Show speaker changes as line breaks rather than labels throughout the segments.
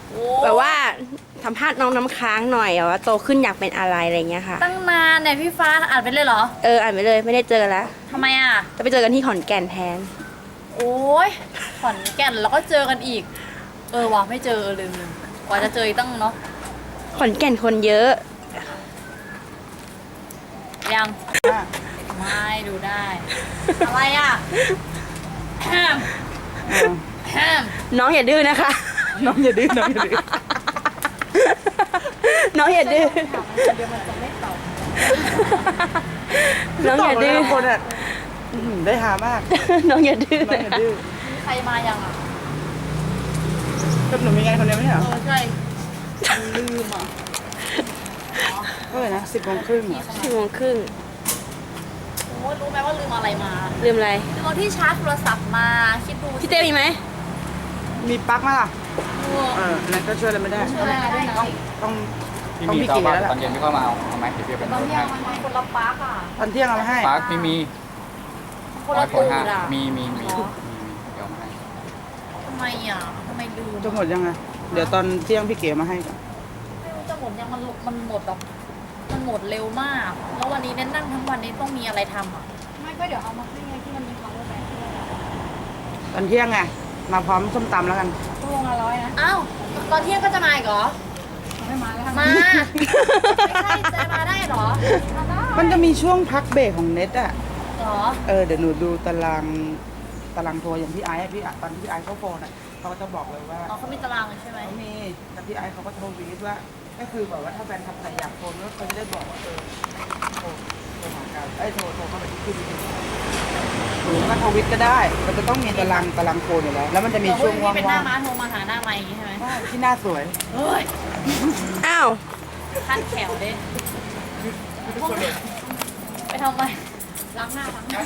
แบบว่าสัมภาษณ์น้องน้ำค้างหน่อยว่าโตขึ้นอยากเป็นอะไรอะไรเงี้ยค่ะ
ตั้งนานเนี่ยพี่ฟ้าอ่านไปเลยเหรอ
อ่านไปเลยไม่ได้เจอกันแล้ว
ทำไมอ่ะ
จะไปเจอกันที่ขอนแก่นแทน
โอ้ยขอนแก่นแล้วก็เจอกันอีก ว่ะไม่เจอลืมกว่าจะเจออีกตั้งเนาะ
ขอนแก่นคนเยอะ
ยังไม่ดูได้ อะไรอ่ะแฮมแฮม
น้องอย่าดื้อนะคะ
น้องอย่าดื้อน้องอย่าดื้อ
น้องอย่าดื้อ
เดี๋ยวมันจะไม่ตอบ
น้องอย่าดื้อ
ตบเลยนะคนอ่ะได้หามาก
น้องอย่าดื้อ
น้องอย่าดื้อ
มีใครมายังอ่ะ
ก็หนูมีงานคนเดียวไม่ใช่เหรอ
ใช่
ลืมอ่ะเท่าไหร่นะ10:30เหรอ
10:30
โอ้ยรู้ไหมว่าลืมอะไรมา
ลืมอะไร
ลืมเอาที่ชาร์จโทรศัพท์มาคิดดู
พี่เต้มีไหม
มีปลั๊กไหมล่ะ
ดู
นั่นก็ช่วยอะไรไม่ได้
ช่วยอะไรได้นะ
ต้อง
พี่
ต้อง
มี
พี่
ต่อ
เก๋
มา
แล้วล่ะ
ตอนเย็นพี่เข้ามาเอาไหมเดี๋ยวพี่เป็น
ตอน
รถ
เที่ย
ให้
งมันคนละปาร์กอ่ะ
ตอนเที่ยงเอามาให้
ปาร์คไม่มี
คนละตูด
5
อ่ะ
มี
หรอ
เดี๋ยวมาให้
ทำไมอ่ะทำไมลืม
จะหมดยังไงเดี๋ยวตอนเที่ยงพี่เก๋มาให้ก่อน
ไม่รู้จะหมดยังมันหมดแบบมันหมดเร็วมาก แล้ววันนี้เน้นนั่งทั้งวันนี้ต้องมีอะไรทำอ่ะ ไม่ก็เดี๋ยวเอามาให้ไงที่มันมี power bank
ตอนเที่ยงไงมาพร้อมส้มตำแล้วกัน
ตู้ละ100นะอ้าวตอนเที่ยงก็จะมาอีกเหรอไม่มาแล้วมาไม่ใช่จะมาได้เหรอมาได้
มันจะมีช่วงพักเบรกของเน็ตอ่ะ
เหรอ
เดี๋ยวหนูดูตารางทัวร์อย่างพี่ไอซ์ตอนที่พี่ไอซ์เขาโฟนอ่ะเขาก็จะบอกเลยว่า
อ๋อเขามีตารางเลยใช่ไหม
เขามีแต่พี่ไอซ์เขาก็โทรวีดว่า ก็คือแบบว่าถ้าแฟนคลับไหนอยากโฟนก็เขาจะได้บอกว่าโทรหากันโทรเข้าไปที่คืนหรือว่าทวิตก็ได้ มันจะต้องมีตารางโฟนอยู่แล้ว แล้วมันจะมีช่วงว่าง
เป็นหน้าม้าโทรมาหาหน้าไม้อย่างงี้ใช่ไหม
ๆที่หน้าสวย
เฮ้ย
อ้าว
ขั้นแขวเด้ไปทำไมล้างหน้าล้างหน้า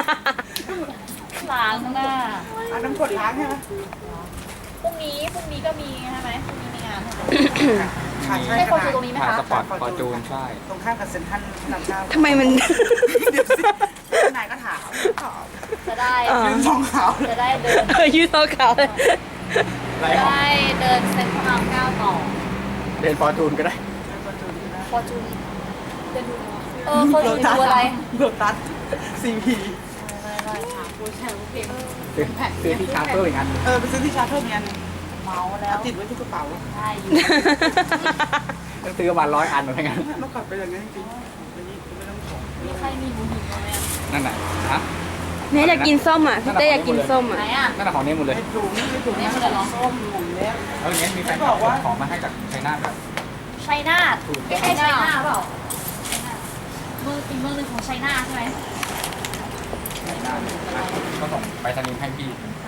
เอาน้ำกรดล้างใช่ไหม
พรุ่งนี้ก็มีใช่ไหมพรุ่งนี้มีงานใช่ไหม
ค่ะใช่
ใช่
ข
คน
นา
อ
ด
ยู่ตรงนี้ไหม
ถ่าย
คะ
สปอร์ตฟอร์จูนใช่
ตรงข้ามกับเซ็นทรัลพระรามเก้า
ทำไมมัน
เดี๋ยวสินายก็ถามตอบ
จะได้
ยืนสองขาว
จะได้เดิน
ยืดโซเขาเลย
ไร
จะ
ของ
ได้เดินเซ็นทรัลเก้าต่อ
เดินฟอร์จูนก็ได้
ฟอร์จูนเดินดูฟอร์จูนดูอะไร
โลตัสซีพี
ไม่ถามผู้ชายผู้เพลง
ซื้อที่ชาร์เตอร์อีกอัน
ไปซื้อที่ชาร์เทอร์เมียน
เมาแล้ว
ติดไว้ที่กระเป๋า
ได้อยู่
ต้องซื้อประมาณ100 อันเหมือนกัน
เมื่อก่อนเป็นอย่างนี้นจริงๆวันนี้ไม่ต้องของ
มีใครมีหมูหิวไหม
นั่นน่ะฮะ
เนี่ยอยากกินส้มอ่ะ พี่เต้อยากกินส้ม
ไหน
อ่ะ
อ่ะ
นั่นน่ะของนี้หมดเลย
ไอ้ถุงนี่มันเหรอส้มหมูเนี้ย
แล้วอย่างเงี้ยมีแฟนคลับส่งของมาให้จากไชน่าแบบ
ชัยนาทไม่ใช่ชัยนาทเปล่าเมืองอีกเมืองหนึ่งของชัยนาทใช่ไหม
ไชน่าก็ส่งไปสนิมให้พี่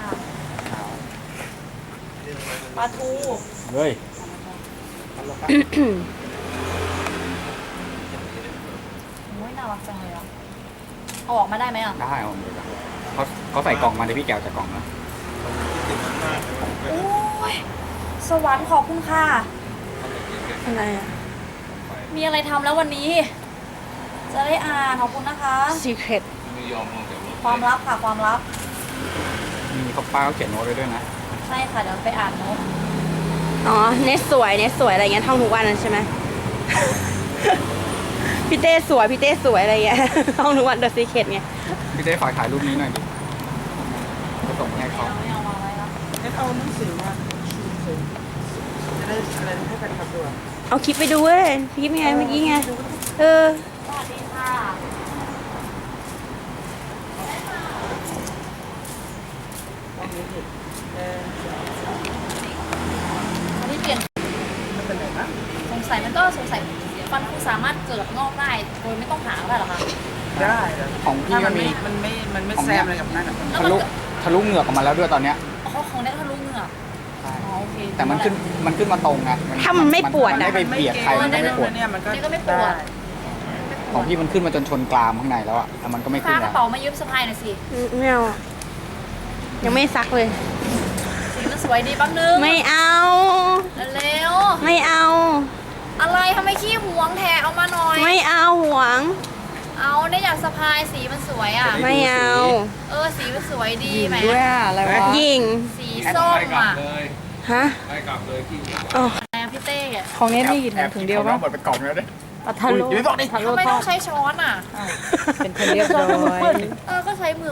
ปลาทู
เฮ้ย
โอ้ยน่ารักจังเลยอ่ะเอาออกมาได้ไหมอ่ะ
ได้เอาเลยเขาใส่กล่องมาเดี๋ยวพี่แกวจากกล่องนะ
โอ้ยสวรรค์ขอบคุณค่ะ
อะไรอ่ะ
มีอะไรทำแล้ววันนี้ จะได้อ่านขอบคุณนะคะ
secret
ความลับค่ะความลับ
มีเขาป้าเขาเขียนโน้ตไว้ด้วยนะ
ใช่ค่ะเดี๋ยวไปอ่านโน้ต
อ๋อ เนสสวยอะไรเงี้ยท่องทุกวันนั่นใช่ไหม พี่เต้สวยอะไรเงี้ย ท่องทุกวันเดอะซีเคทไง
พี่ได้ฝากถ่ายรูปนี้หน่อยดิจะส่งให้เขา
ไม่เอามาไว้แล้ว
งั้นเอาหนังสือมาจะได้อะไรให้แฟนคลับดูอ่ะ
เอาคลิปไปดูเว้ยคลิปไงเมื่อกี้ไง
สวัสดีค่ะอันนี้เปลี่ยน
มันเป็นไหนนะ
สงสัยฟันคุณสามารถเกิดงอกได้โดยไม่ต้องหาได้หรอคะ
ได้
ของพี่
ถ้า
ก็
มัน
มี
ไม่แซมอะไรกับนั่นอ่ะ
ทะลุเหงือกออกมาแล้วด้วยตอนเนี้ย
เขาของได้ทะลุเหงือกอ๋อโอเค
แต่มันขึ้นมาตรงไง
ถ้ามันไม่ปวด
มัน
อ่ะ
ไม่ไปเบียดใครมันก็ไม่ปวด
เนี่ยมันก็
นี่ก็ไม่ปวด
ของพี่มันขึ้นมาจนชนกรามข้างในแล้วอะแต่มันก็ไม่
ฟ้า
ขึ้น
กระ
แล้ว
เป๋ามายืมสะพายหน่อยสิ
ไม่เอาอะยังไม่ซักเลย
สีมันสวยดีแป๊บนึง
ไม่เอา
เร็ว
ไม่เอา
ๆอะไรทำไมขี้หวงแทเอามาหน่อย
ไม่เอาหวง
เอาได้อยากสะพายสีมันสวยอ่ะ
ไม่เอา
สีมันสวยดีแหม
ด้วยอะไรวะ
ยิง
สีส้มอ่ะ
ฮฮะ
ได้กลับเลยที่
อ๋อ
อะไรอะพี่เต้อะ
ของเน็ตนี่ถุงเดียวป่ะ
หมดไปกล่องแล้วด้วย
ปลาทะโล
อย่าไปบอกดิ
ทะโล
ทำไม
ท
ต้
อ
อง
ด
ใช้ช้อนอ่ะ
เป็นคนเรียบร้อย
ก็ใช้มือ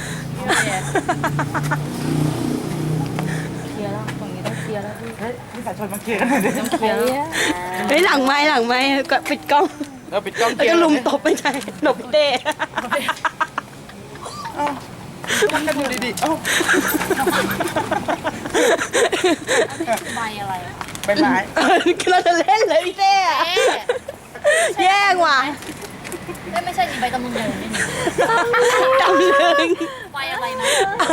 เคลียร์แล้วตรงนี้ต้องเคลียร์แล้วพี่
เฮ้ยพี่สายชนมาเคลียร์กันหน่อยดิ
เคลียร์
เฮ้ยหลังไม้ก็ปิดกล้อง
เราปิดกล้อง
แล้วก็ลุมตบไม่ใช่หนบเต้
มันก็ดูดีๆเอ้า
ใบอะไรอะ
ใบไม้
เราจะเล่นเลยพี่เต้อะ
เอ๊ะ
แย่งว่ะ
ไม่ใช่นี่ใบตำลึงเลยนี่
จำเลย
ใบอะไรนะ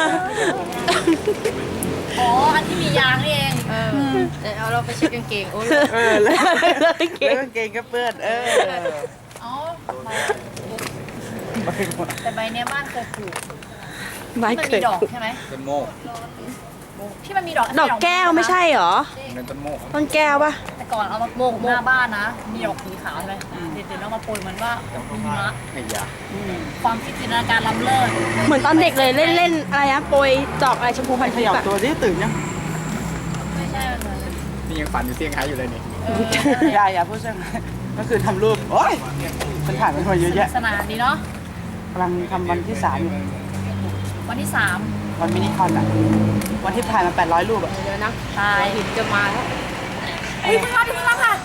อ๋ออันที่มียางนี่เองเอาเราไปเช็ดกางเกงโอ้ย
แล้ว
เก่ง
กางเกงก็เปื้อน
อ๋อใบ
ใบหมด
แต่ใบเนี้ยบ้านเคยปลูก
ไม้
มัน
เกิ
มี
ด
ดอกใช่ไหม
ต้นโมก
ที่มันมีดอก
ดอกแก้วไม่ใช่เหรอ
เป็นต้นโมก
ต้นแก้วปะ
แต่ก่อนเอามาโปกหน้าบ้านนะ มีดอกสีขาวใช่ไหมเดี๋ยวเรามาโปรยเหมือนว่ามีมะ
ไอ้ยา
ความคิดจินตนาการล้ำเลิศ
เหมือนตอนเด็กเลยเล่นอะไรนะโปรยจอกอะไรชมพูพัน
ข
ธุ์
ยับ
อะ
ตัวที่ตื่นยัง
ไม่ใช่มันเหมือน
นี่ยังฝันอยู่เซี่ยงไฮ้อยู่เลยนี่
อย่าพูดใช่ไหมก็คือทำรูปโอ้ยมันถ่ายมันมาเยอะแยะ
สนานดีเนาะ
กำลังทำวันที่3อยู่
วันที่
วันมินิคอนอ่ะวันที่ถ่ายมา800รูปอ่ะ
เดี๋ยวนะ
3ตาย
หินจะมาแล้ว
เฮ้ยข้างล่างข้างล่างค่ะ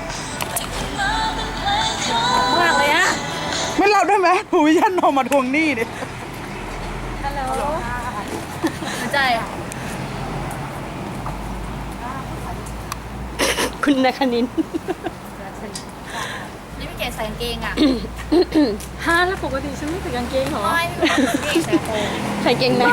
มากเลยอะ
ไม่เล่าได้ไหมหูวิชันเอามาทวงหนี้ดิ
ไม่ใช่อะ
คุณนคณิน
นี่พี่เกดใส่กางเกงอะ
ฮะแล้วปกติฉันไม่ใส่กางเกงเหรอ
ไม่พี่ใส่โค้ง
ใส่เกงใน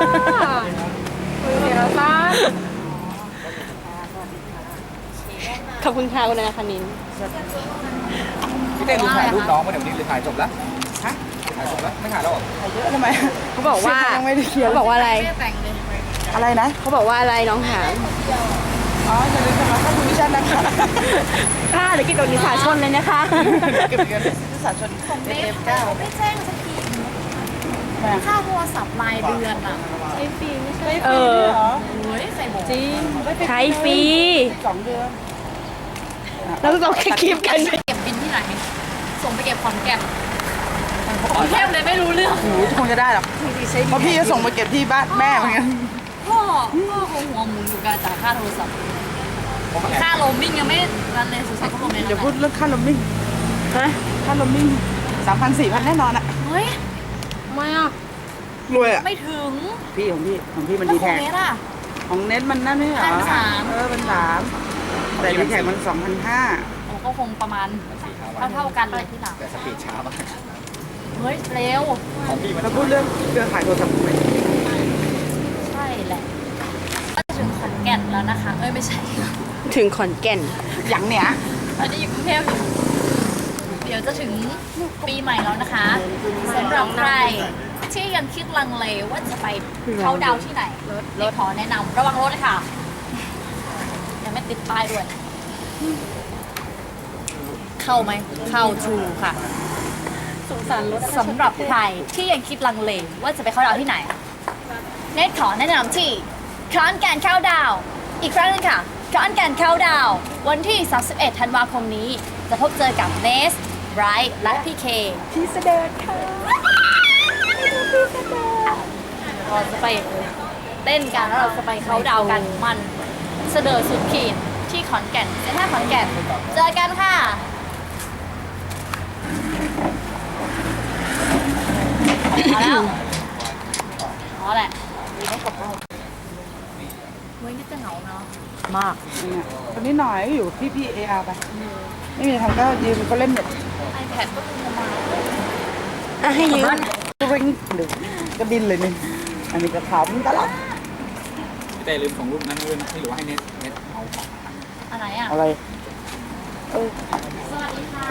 ขอบคุณค่ะคุณนคณิน
พี่เต้ดูถ่ายรูปน้องมาเดี๋ยวนี้หรือถ่ายจบแล้ว
ฮะ
ถ่ายจบแล้วไม่ถ่ายแล้วเหรอ
ถ่ายเยอะทำไม
เขาบอกว่า
ยังไม่ได้เขียน
เขาบอกว่าอะไร
ไม่ได้แต่งเลย
อะไรนะ
เขาบอกว่าอะไรน้องถาม
อ๋ออย่าลืมสมัครเข้าหูวิชันนะคะ
ค่ะเดี๋ยวกินโดนิสาชนเลยนะคะ
เก็บเงินที่สาชน
ของเบฟ
เก้า
ไม่แจ้งสักทีค่าโทรศัพท์รายเดือนอะใช้ฟรีไม่ใช่
เออ
โอ้ยใส่โบ
จริงใช้ฟรี
2 เดือน
แล้วต้องแค่คลิปกัน
เก็บบินที่ไหน ส่งไปเก็บขอนแก่นขอนแก่นเลยไม่รู้เรื่อง
หูคงจะได้หรอกเพราะพี่จะส่งมาเก็บที่บ้านแม่เหมือนกัน
พ่อคงหัวหมุนอยู่การจ่ายค่าโทรศัพท์ ค่าโรมมิ่งยังไม่รันเลยสุดท้ายก็โรมมิ่ง
อย่าพูดเรื่องค่าลมมิ่ง
ฮะ
ค่าลมมิ่ง3,000 4,000แน่นอนอะ
เฮ้ย
ไม่อ่ะ
รวยอะ
ไม่ถึง
พี่ของพี่มัน
แล้ว
ดี
ข
แท็
อง
ก
เนสอ่ะ
ของเน็ตมันนั่นไม่ใช่เหรอ
1,300
มัน3แต่ดีแท็กมัน 2,500
โอ้ก็คงประมาณเท่ากันเลยที่หลัง
แต่สปีดช้ามาก
เฮ้ย เร็ว
ของพี่มัน
แล้วพูดเรื่องเครือข่ายโทรศัพท์ไหม
ใช่แหละก็จะถึงขอนแก่นแล้วนะคะ เอ้ย ไม่ใช่
ถึงขอนแก่น
อย่างเนี้ย
ตอนนี้อยู่กรุงเทพอยู่เดี๋ยวจะถึงปีใหม่แล้วนะคะสำหรับใครที่ยังคิดลังเลว่าจะไปเข้าดาวน์ที่ไหนรถขอแนะนำระวังรถเลยค่ะ ยังไม่ติดป้ายด้วย เข้าไหม เข้าทูค่ะ
สงสารรถ
สำหรับใครที่ยังคิดลังเลว่าจะไปเข้าดาวน์ที่ไหน เนทขอแนะนำที่ขอนแก่นเข้าดาวน์อีกครั้งหนึงค่ะขอนแก่นเข้าดาวน์วันที่ 31 ธันวาคมนี้ จะพบเจอกับเนสไบรท์และพี่เค
พี่เสด็จค่ะ
เราจะไปเต้นกันแล้วเราจะไปเข้าดาวน์กันมันเสดอสุดขีดที่ขอนแก่นเซ็นทรัลขอนแก่นเจอกันค่ะเอาแล้วเอาแหละเฮ้ยนี่จะเหงาเนาะ
มาก
คนนี้หน่อยอยู่พี่เออาร์ไป ไม่มีอะไรทำก็ยืมก็เล่นเน็ต
iPad ก็ดูมา
อ่ะให้ยืม
ก็วิ่งหรือก็บินเลยนี่อันนี้ก็ขำตลอด
พี่เต้ลืมของรูปนั้นด้วยนะหรือว่าให้เน็ตเอาของ
อะไรอ่ะ
อะไร
สวัสดีค่ะ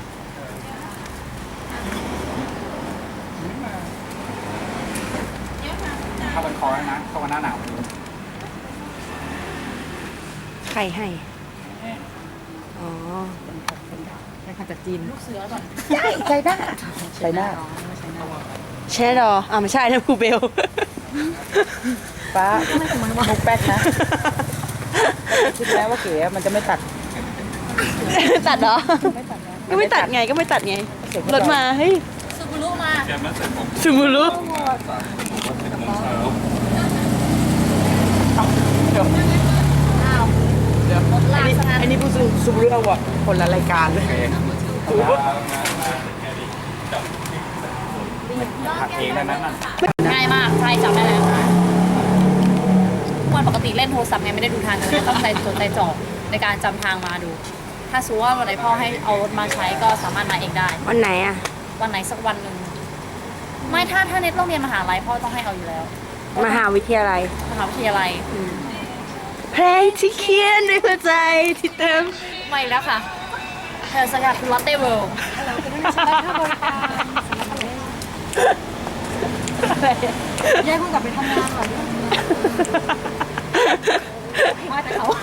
เข้าวันคอแล้วนะเข้าวันหน้าหนาว
ใครให้ อ๋อ
เป็นขันจากจีน
ลูกเสือก่อน
ใช่ได้ใช่หน้า
ใช่หรออ่าไม่ใช่นะครูเบล
ฟ้ามุกแป๊กนะคิดแล้วว่าเก๋มันจะไม่ตัด
ตัดเหรอ
ไม่ตัดนะ
ก็ไม่ตัดไงก็ไม่ตัดไงรถมาเฮ้ย
ซูบูรุมา
ซูมูรุ
เดี๋ยว
อ้าว
เดี๋ยว
รถลากซะงั้น
ไอ้นี่ผู้ซูบเรื่องว่ะคนละรายการเลย
ผัดเองได้ไหมนั่น
ง่ายมากใช่จำได้แล้ววันปกติเล่นโทรศัพท์ไงไม่ได้ดูทางกันต้องใจจดใจจ่อในการจำทางมาดู ถ้าสมมติว่าวันไหนพ่อให้เอารถมาใช้ก็สามารถมาเองได้
วันไหนอ่ะ
วันไหนสักวันหนึ่งไม่ถ้าเน็ตต้องเรียนมหาลัยพ่อต้องให้เอาอยู่แล้ว
มหาวิทยาลัย
มหาวิทยาลัย
เพลงที่เขียนด้วยหัวใจที่เต็ม
ไม่แล้วค่ะเธอสกัดคือลอตเต้เวิลด์แยกคุณกลับไปทำงานก่อนมาแต่เขา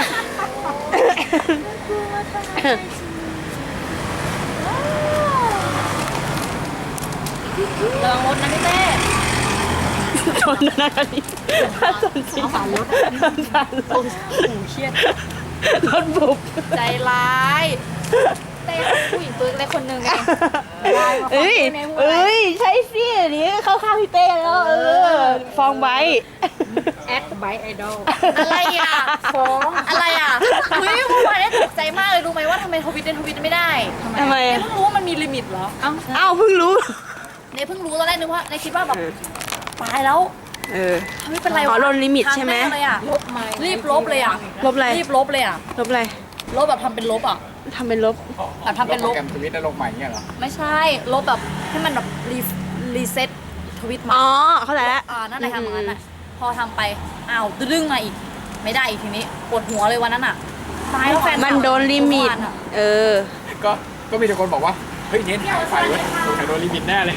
ระวังรถนะพี่เต้
ชนนะคะนี่ชนจริง
เอาสารรถ
สารรถ
เครียด
รถบุบ
ใจร้ายเต้ผู้หญิงปึ๊กเลยคนหนึ่งเอง
เอ้ยเอ้ยใช่สิอันนี้เข้าข้างพี่เต้แล้วฟองไบท์
แอดไบไอดอลอะไรอ่ะฟ้องอะไรอ่ะเฮ้ยเมื่อวานได้ตกใจมากเลยรู้ไหมว่าทำไมทวิตไม่ได้
ทำไม
เนี่ยเพิ่งรู้ว่ามันมีลิมิตเหรอเอ้า
อ้าวเพิ่งรู้
เนี่ยเพิ่งรู้ตอนแรกนึกว่าในคิดว่าแบบตายแล้ว ไม่เป็นไร
อ๋
วะ
อลดลิมิตใช่ไหม
ทางแน่เลยอ่ะรีบลบเลยอ่ะ
ลบอะไร
รีบลบเลยอ่ะ
ลบอะไร
ลบแบบทำเป็นลบอ่ะ
ทำเป็นลบ
แบบทำเป็นล
โปร
บ
แกรมทวิตได้ลงใหม่เนี่ยเหรอ
ไม่ใช่ลบแบบให้มันแบบรีเซ็ตทวิตมา
อ๋อเข้าใจแล้ว
นั่นแหละทำอย่างนั้นแหละพอทำไปอ้าวดึงมาอีก ไม่ได้อีกทีนี้ปวดหัวเลยวันนั้นอ่ะตายแล้วแฟน
มันโดนลิมิต เออ
ก็มีแต่คนบอกว่า เฮ้ยเน้นหายไฟเว้ยสงสัยโดนลิมิตแน่เลย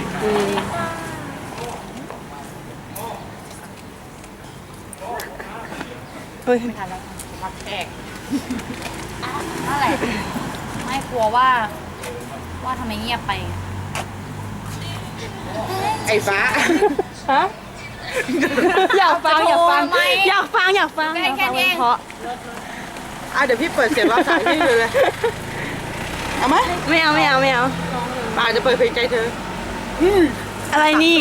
เฮ้ย
ไม่ทันแล้วรับแขกนั่นแหละไม่กลัวว่าทำไมเงียบไป
ไอ้ฟ้า
ฮะอยากฟังอยากฟัง
ทำไม
อยากฟังอยากฟัง
ใกล้แค่นี้เอง
เพราะ
เดี๋ยวพี่เปิดเสียงรับสายพี่เลย เอาไหม
ไม่เอาไม่เอาไม่เอา
ป่าจะเปิดเพลงใจเธอ
อะไรนี่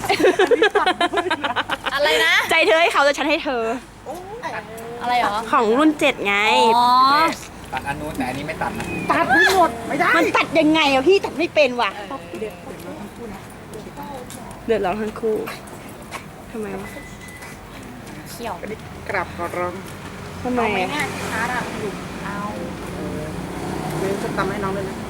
อะไรนะ
ใจเธอให้เขาแต่ฉันให้เธอ
อะไรเหรอ
ของรุ่น 7 ไง
อ๋อ
ตัดอันนู้นแต่อันนี้ไม่ตัดนะ
ตัดไม่หมดไม่ได้
มันตัดยังไงอะพี่ตัดไม่เป็นว่ะ เดือดร้อนทั้งคู่ทำไมวะ
เขี่ยว
กลับขอร้อง
ทำไม
ไม่
อะ
ง่ายชาร์จอ่ะเอา
เดี๋ยวจะตำให้น้องเลยนะ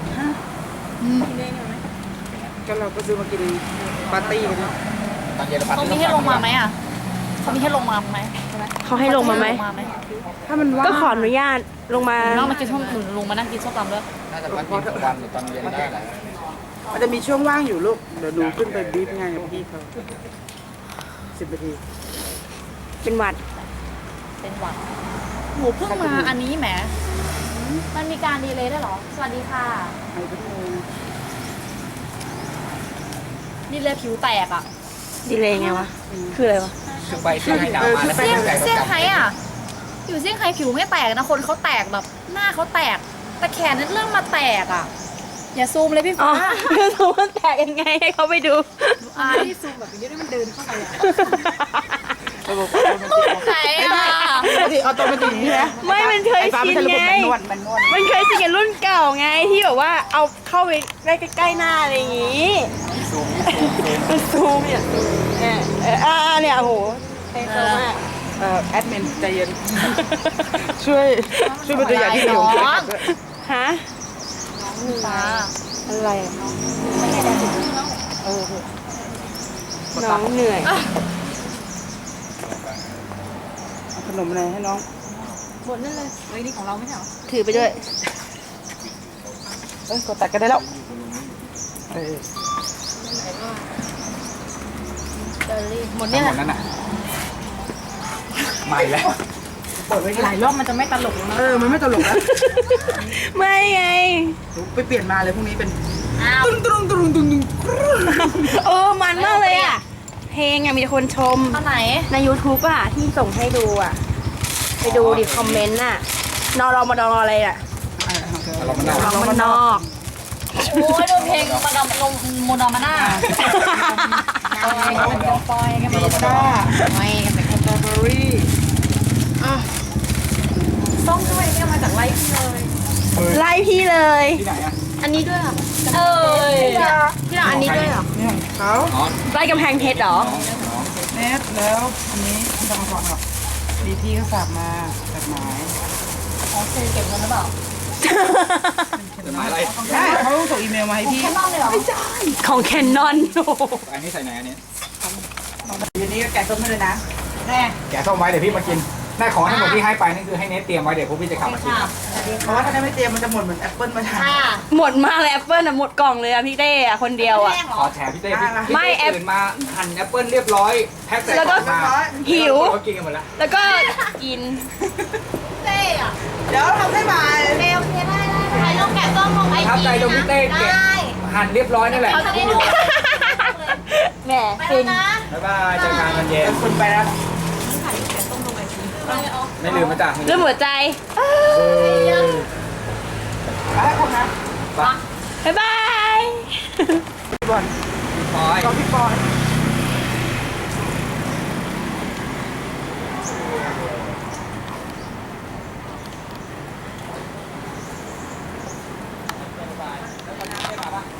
ก็เราก็ซื้อมากินปาร์ตี้กันเนาะ
ตอนเย็นเราปัด
เขามีให้ลงมาไหมอ่ะเขามีให้ลงมาไหมใช่ไหม
เขาให้ลงมาไหม
ถ้ามันว่าง
ก็ขออนุญาตลงมา
น้องมากินส้มหนุนลงมานั่งกินส้มตำด้วย
น่าจะปัดกินทุกวันหรือตอนเย็นได้แหละ
มันจะมีช่วงว่างอยู่ลูก เดี๋ยวหนูขึ้นไปบีบงานกับพี่เขา10 นาที
เป็นหวัด
เป็นหวัดหมูเพิ่งมาอันนี้แหมมันมีการดีเลย์ได้วยเหรอ สวัสดีค่ะ
ไอ้พวกนี้
ดีเลย์ผิวแตกอ่ะ
ดีเลยไงวะ คืออะไรวะ
คือไปเซี่ยงไฮ้ดาวมาแล้ว
เซี่ยง
ใจ
เซี่ยง
กับ
ไฮ้อ่ะ อยู่เซี่ยงไฮ้ผิวไม่แตกนะ คนเขาแตกแบบหน้าเขาแตก แต่แขนนั้นเริ่มมาแตกอ่ะ อย่าซูมเลยพี่
อ๋อ
ฟ้า
คือสมมติแตกยังไงให้เขาไปดู
อายที่ซูมแบบนี้ได้มันเดินเข้าไปอ่ะไหนอ่ะ
ปกติเอาตัวมันติดอย่างนี้นะ
ไม่มันเคย
ไอ้ฟ้า
ชิ
มัน
น
จะระบบ
ไง
แมนนวลแมนนวล
มันเคยชินกับรุ่นเก่าไงที่แบบว่าเอาเข้าไปได้ใกล้ๆหน้าอะไรอย่างงี้ มันซูมเนี่ยเนี่ยโอ้โหเท่มาก
แอดมินใจเย็น ช่วยเป็นตัวอย่างที่ดีของพี่ด้วย
ฮะ
ฟ้า
อะไรอะ
เออ
น้องเหนื่อย
เอาขนมอะไรให้น้อง
บนนั่นเลยเฮ้ยนี่ของเราไม่ใช่เหรอ
ถือไปด้วย
กดตัดกันได้แล้วเออ
เจอรี่หมด
เนี่
เนี่ย ย
หมดนั่นน่ะไม่แล้ว
เปิดไว้หลายรอบมันจะไม่ตลกแล้วมันไม่ตลกแล้ว
ไม่ไง
ไปเปลี่ยนมาเลยพรุ่งนี้เป็น
อ้าว
ตุ้ง
มันมากเลยอ่ะ เพลงอ่ะมีคนชม
เอาไหน
ใน YouTube อ่ะ ที่ส่งให้ดูอ่ะไปดูดิคอมเมนต์น่ะนอรอมาดองอะไรอ่ะ
เรามันได้
นอมันนอก
โอ้ยโดนเพลงมาดามลงโมนอมาน่าปอยกันไปปอยกันไป
มีด้า
ปอยกันไป
สตรอเบอรี่
ส้มด้วยเนี่ยมาจากไร่พี่เลย
ไล่พี่เลย
ที่ไหนอ่ะ
อันนี้ด้วยอ่ะเอ้ย
พี่เราอันนี้ด้วยเหรอ
นี่ของเขา
อ๋อ
ไล่กำแพงเพชรเหรอ
เน็ตแล้วอันนี้ไม่ต้องมาก่อนหรอกดีพี่เขาฝากมาจดหมาย
ของซื้อเก็บเงินหรือเปล่า
จะมาอะไร
ใช่เขาส่งอีเมลมาให้พี่
แค่นอกเลยเหรอ
ของแคนนอน
อันนี้ใส่ไหนอันนี้
ทีนี้ก็แกะส้มให้เลยนะแน่
แกะส้มไว้เดี๋ยวพี่มากินได้ของทั้งหมดที่ให้ไปนั่นคือให้เนทเตรียมไว้เดี๋ยวพวกพี่จะขับมากิน
ค่ะ
เพราะว่าถ้าไม่เตรียมมันจะหมดเหมือนแอปเปิลมาทาน
ค่ะ
หมดมากเลยแอปเปิลอ่ะหมดกล่องเลยอ่ะพี่เต้อ่ะคนเดียวอ่ะ
แป้งเหร
ข
อ
อแฉพี่เต้พี่
ไม่แอป
ตื่นมาหั่นแอปเปิ้ลเรียบร้อยแพ็คใส่
แล้ว
ก
ก็
ล่องมา
หิว
เรากินกันหมดแล้ว
แล้วก็กิน
เต้อะ
เดี๋ยวทำให้ใหม่
เร็วเต้ได้ถ่ายลงแกะส้มลงไอ
ทับ
จี
ใจตรงพี่เต้แกะ
ได้
หั่นเรียบร้อยนั่นแหละ
เขาจะได้รู้
แหม
ไป
ฟิ
แล้ว
น
นะ
บ๊ายบายเจอกันตอนเย็น
คุณไปแล้ว
ไม่ลืมมาจ้ะ
เรื่องหัวใจ
ไปแล้วคุณนะ
บ๊ายบาย
พี่บอล
พอย
ก็พี่บอล